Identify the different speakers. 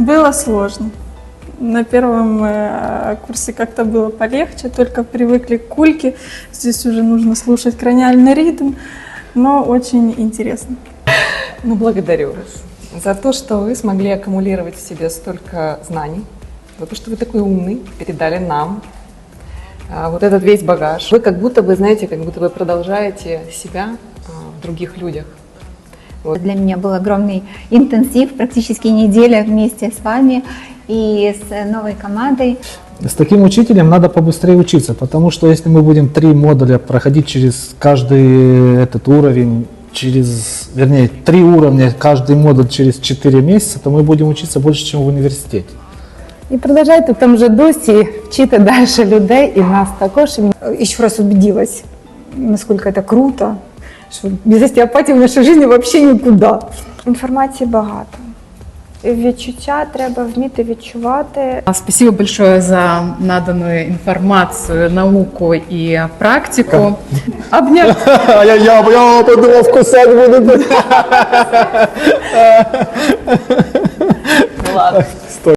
Speaker 1: Было сложно. На первом курсе как-то было полегче, только привыкли к кульке. Здесь уже нужно слушать краниальный ритм, но очень интересно.
Speaker 2: Ну, благодарю вас за то, что вы смогли аккумулировать в себе столько знаний, за то, что вы такой умный, передали нам вот этот весь багаж. Вы как будто бы, знаете, как будто вы продолжаете себя в других людях. Вот.
Speaker 3: Для меня был огромный интенсив, практически неделя вместе с вами и с новой командой.
Speaker 4: С таким учителем надо побыстрее учиться, потому что если мы будем 3 модуля проходить через каждый этот уровень, вернее, 3 уровня, каждый модуль через 4 месяца, то мы будем учиться больше, чем в університеті.
Speaker 5: І продовжайте в тому же дусі вчити далі людей і нас також.
Speaker 6: Еще раз убедилась, насколько это круто, что без остеопатии в нашей жизни вообще никуда.
Speaker 7: Інформації багато. Відчуття треба вміти відчувати.
Speaker 8: Спасибо большое за наданную информацию, науку и практику.
Speaker 4: Обнять. Я подумав, кусать буду.